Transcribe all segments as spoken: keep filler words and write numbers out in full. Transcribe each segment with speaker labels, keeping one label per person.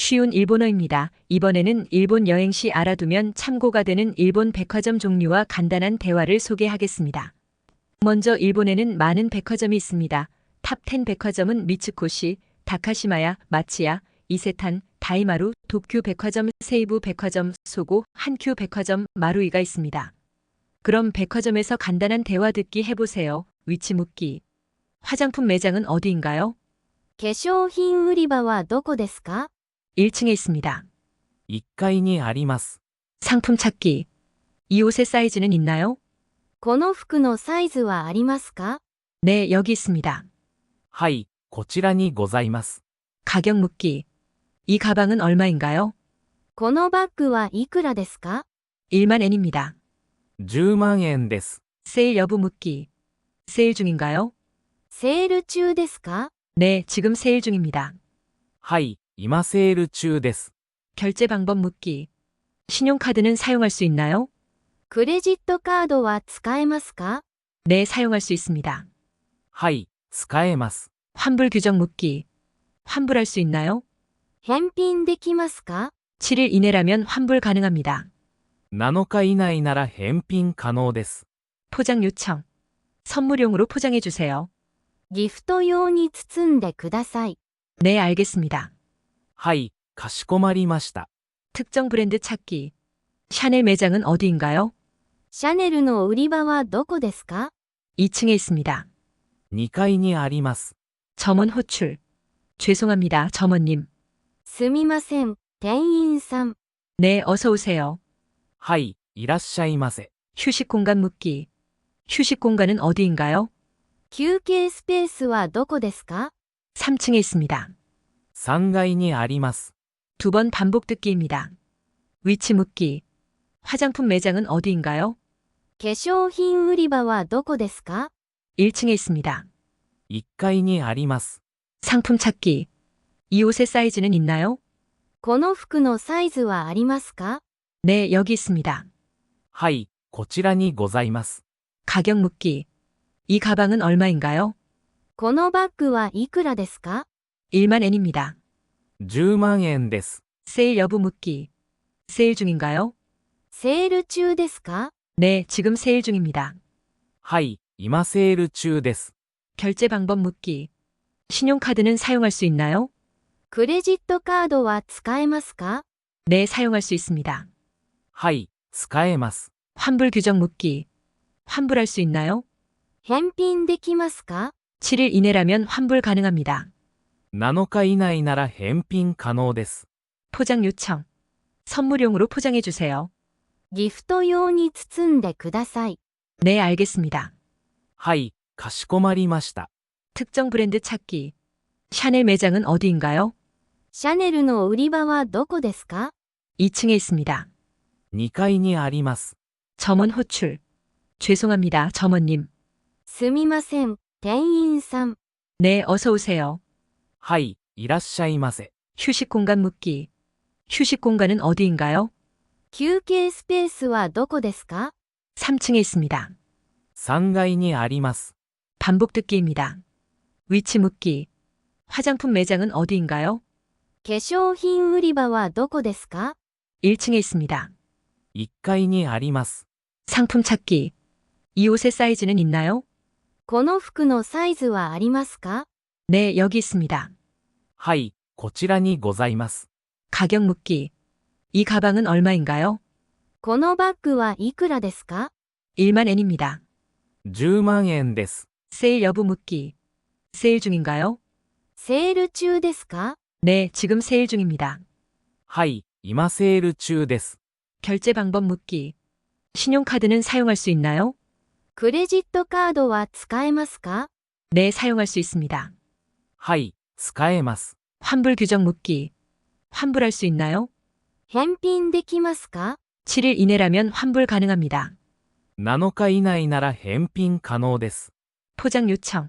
Speaker 1: 쉬운 일본어입니다. 이번에는 일본 여행 시 알아두면 참고가 되는 일본 백화점 종류와 간단한 대화를 소개하겠습니다. 먼저 일본에는 많은 백화점이 있습니다. 탑 텐 백화점은 미츠코시, 다카시마야, 마치야, 이세탄, 다이마루, 도쿄 백화점, 세이부 백화점, 소고, 한큐 백화점, 마루이가 있습니다. 그럼 백화점에서 간단한 대화 듣기 해보세요. 위치 묻기. 화장품 매장은 어디인가요?
Speaker 2: 化粧品売り場はどこですか？
Speaker 1: 일 층에 있습니다.
Speaker 3: いっかいにあります。
Speaker 1: 상품 찾기. 이 옷의 사이즈는 있나요?
Speaker 2: この服のサイズはありますか？
Speaker 1: 네, 여기 있습니다.
Speaker 3: はい、こちらにございます。
Speaker 1: 가격 묻기. 이 가방은 얼마인가요?
Speaker 2: このバッグはいくらですか？
Speaker 1: 일만 엔입니다.
Speaker 3: じゅうまんえんです。
Speaker 1: 세일 여부 묻기. 세일 중인가요?
Speaker 2: セール中ですか？
Speaker 1: 네, 지금 세일 중입니다.
Speaker 3: はい、今セール中です。
Speaker 1: 결제 방법 묻기. 신용카드는 사용할 수 있나요?
Speaker 2: クレジットカードは使えますか？
Speaker 1: 네, 사용할 수 있습니다.
Speaker 3: はい、使えます。
Speaker 1: 환불 규정 묻기. 환불할 수 있나요?
Speaker 2: 返品できますか？
Speaker 1: 칠 일 이내라면 환불 가능합니다.
Speaker 3: なのか以内なら返品可能です。
Speaker 1: 포장 요청. 선물용으로 포장해 주세요.
Speaker 2: ギフト用に包んでください。
Speaker 1: 네, 알겠습니다.
Speaker 3: はい、かしこまりました。
Speaker 1: 특정 브랜드 찾기. 샤넬 매장은 어디인가요?
Speaker 2: シャネルの売り場はどこですか？
Speaker 1: 이 층에 있습니다.
Speaker 3: にかいにあります。
Speaker 1: 점원 호출. 죄송합니다, 점원님.
Speaker 2: すみません、店員さん。
Speaker 1: 네, 어서 오세요.
Speaker 3: はい、いらっしゃいませ。
Speaker 1: 휴식 공간 묻기. 휴식 공간은 어디인가요?
Speaker 2: 休憩スペースはどこですか？
Speaker 1: 삼 층에 있습니다.
Speaker 3: さんがいにあります。
Speaker 1: 두 번 반복 듣기입니다. 위치 묻기. 화장품 매장은 어디인가요?
Speaker 2: 化粧品売り場はどこですか？
Speaker 1: 일 층에 있습니다.
Speaker 3: いっかいにあります。
Speaker 1: 상품 찾기. 이 옷의 사이즈는 있나요?
Speaker 2: この服のサイズはありますか？
Speaker 1: 네, 여기 있습니다.
Speaker 3: はい、こちらにございます。
Speaker 1: 가격 묻기. 이 가방은 얼마인가요?
Speaker 2: このバッグはいくらですか？
Speaker 1: 일만 엔입니다.
Speaker 3: じゅうまんえんです。
Speaker 1: 세일 여부 묻기. 세일 중인가요?
Speaker 2: セール中ですか？
Speaker 1: 네, 지금 세일 중입니다.
Speaker 3: はい、今セール中です。
Speaker 1: 결제 방법 묻기. 신용카드는 사용할 수 있나요?
Speaker 2: クレジットカードは使えますか？
Speaker 1: 네, 사용할 수 있습니다.
Speaker 3: はい、使えます。
Speaker 1: 환불 규정 묻기. 환불할 수 있나요?
Speaker 2: 返品できますか？
Speaker 1: 칠 일 이내라면 환불 가능합니다.
Speaker 3: なのか以内なら返品可能です。
Speaker 1: 포장 요청. 선물용으로 포장해 주세요.
Speaker 2: ギフト用に包んでください。
Speaker 1: 네, 알겠습니다.
Speaker 3: はい、かしこまりました。
Speaker 1: 특정 브랜드 찾기. 샤넬 매장은 어디인가요?
Speaker 2: シャネルの売り場はどこですか？
Speaker 1: 이 층에 있습니다.
Speaker 3: にかいにあります。
Speaker 1: 점원 호출. 죄송합니다, 점원님.
Speaker 2: すみません、店員さん。
Speaker 1: 네, 어서 오세요.
Speaker 3: はい、いらっしゃいませ。
Speaker 1: 휴식 공간 묻기. 휴식 공간은 어디인가요?
Speaker 2: 休憩スペースはどこですか？
Speaker 1: 삼 층에 있습니다.
Speaker 3: さんがいにあります。
Speaker 1: 반복 듣기입니다. 위치 묻기. 화장품 매장은 어디인가요?
Speaker 2: 化粧品売り場はどこですか？
Speaker 1: 일 층에 있습니다.
Speaker 3: いっかいにあります。
Speaker 1: 상품 찾기. 이 옷의 사이즈는 있나요?
Speaker 2: この服のサイズはありますか？
Speaker 1: 네, 여기 있습니다.
Speaker 3: はい、こちらにございます。
Speaker 1: 가격 묻기. 이 가방은 얼마인가요?
Speaker 2: このバッグはいくらですか？
Speaker 1: 일만 엔입니다.
Speaker 3: じゅうまんえんです。
Speaker 1: 세일 여부 묻기. 세일 중인가요?
Speaker 2: セール中ですか？
Speaker 1: 네, 지금 세일 중입니다.
Speaker 3: はい、今セール中です。
Speaker 1: 결제 방법 묻기. 신용카드는 사용할 수 있나요?
Speaker 2: クレジットカードは使えますか？
Speaker 1: 네, 사용할 수 있습니다.
Speaker 3: はい、使えます。
Speaker 1: 환불 규정 묻기. 환불할 수 있나요?
Speaker 2: 返品できますか？
Speaker 1: 칠 일 이내라면 환불 가능합니다.
Speaker 3: なのか以内なら返品可能です。
Speaker 1: 포장 요청.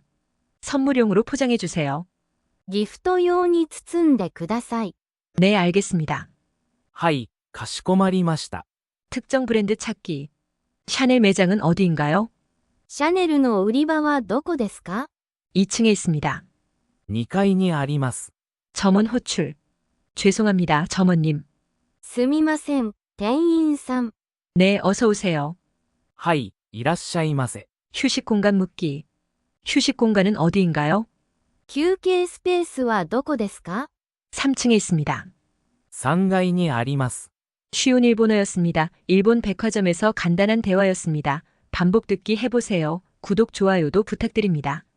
Speaker 1: 선물용으로 포장해 주세요.
Speaker 2: ギフト用に包んでください。
Speaker 1: 네, 알겠습니다.
Speaker 3: はい、かしこまりました。
Speaker 1: 특정 브랜드 찾기. 샤넬 매장은 어디인가요?
Speaker 2: シャネルの売り場はどこですか？
Speaker 1: 이 층에 있습니다.
Speaker 3: にかいにあります。
Speaker 1: 점원 호출. 죄송합니다, 점원님.
Speaker 2: すみません、店員さん。
Speaker 1: 네, 어서 오세요.
Speaker 3: はい、いらっしゃいませ。
Speaker 1: 휴식 공간 묻기. 휴식 공간은 어디인가요?
Speaker 2: 休憩スペースはどこですか？
Speaker 1: 삼 층에 있습니다.
Speaker 3: さんがいにあります。
Speaker 1: 쉬운 일본어였습니다. 일본 백화점에서 간단한 대화였습니다. 반복 듣기 해보세요. 구독, 좋아요도 부탁드립니다.